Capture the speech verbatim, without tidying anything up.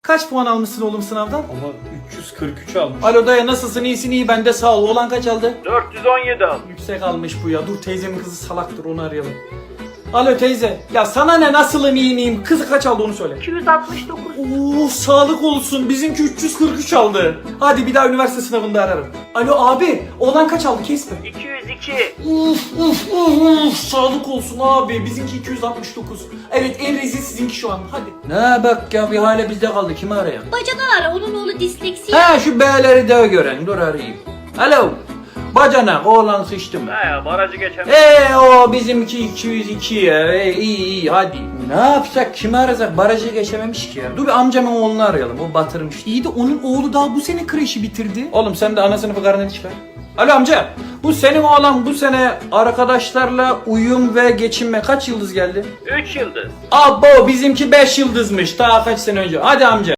Kaç puan almışsın oğlum sınavdan? Ama üç yüz kırk üç almış. Alo dayı, nasılsın? İyisin? İyi, ben de sağ ol. Oğlan kaç aldı? dört yüz on yedi almış. Yüksek almış bu ya. Dur, teyzemin kızı salaktır, onu arayalım. Alo teyze. Ya sana ne, nasılım, iyi miyim? Kızı kaç aldı onu söyle. iki yüz altmış dokuz. Oo, sağlık olsun. Bizimki üç yüz kırk üç aldı. Hadi bir daha üniversite sınavında ararım. Alo abi, oğlan kaç aldı, kesme. iki yüz iki. Uf uf uf uf. Sağlık olsun abi. Bizimki iki yüz altmış dokuz. Evet, en rezil sizinki şu an. Hadi. Ne bak ya, bir hale bizde kaldı. Kimi arayalım? Bacadan ara, onun oğlu disleksi. He, şu B'leri de gören. Dur arayayım. Alo. Bacanak, oğlan sıçtı mı? Ha ya, barajı geçemez. Eee o bizimki iki yüz iki ya. Ee, iyi iyi hadi. Ne yapsak, kimi arasak? Barajı geçememiş ki ya. Dur bir amcamın oğlunu arayalım, o batırmış. İyi de onun oğlu daha bu sene kreşi bitirdi. Oğlum sen de ana sınıfı karneni çıkar. Alo amca, bu senin oğlan bu sene arkadaşlarla uyum ve geçinme kaç yıldız geldi? üç yıldız. Abo, bizimki beş yıldızmış daha kaç sene önce. Hadi amca.